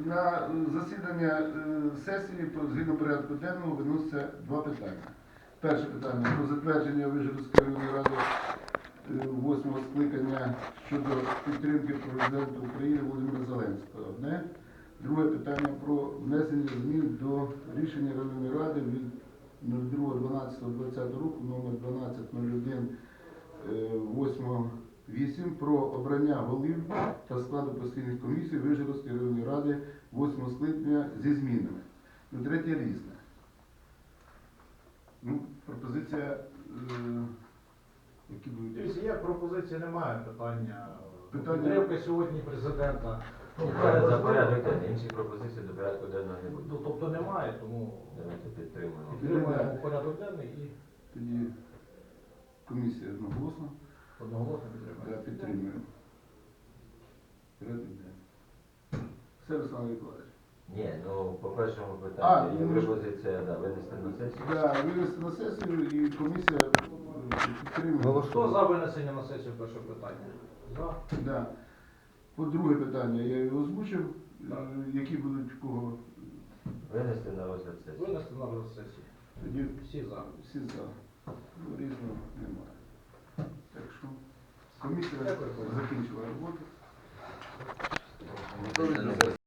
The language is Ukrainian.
На засідання сесії згідно порядку денного виноситься два питання. Перше питання про затвердження Вишгородської районної ради 8-го скликання щодо підтримки президента України Володимира Зеленського. Одне. Друге питання про внесення змін до рішення районної ради від 02.12.2020 року номер 1201/8 про обрання голів та складу постійних комісій Вишгородської районної ради 8 скликання зі змінами. Третє різне. Пропозиція, які будуть? Є пропозиції, немає питання. Питання- Підтримка сьогодні президента. За порядок денний. Інші пропозиції до порядку денного не буде. Тобто немає, тому Давайте підтримуємо. підтримуємо порядок денний і Тоді комісія одноголосно одноголосно підтримуємо. підтримує. Порядок денний. Все, Руслан Миколаївич. Ні, ну по першому А, питанню є ну, пропозиція винести на сесію. Винести на сесію і комісія підтримує. Хто за винесення на сесію першого питання? За. Да. По друге питання я його озвучив. Так. Які будуть в кого? Винести на розгляд сесії. Винести на розгляд сесії. Тоді Всі за. всі за. Різного немає. Так що комісія Дякую. закінчила роботу. Винести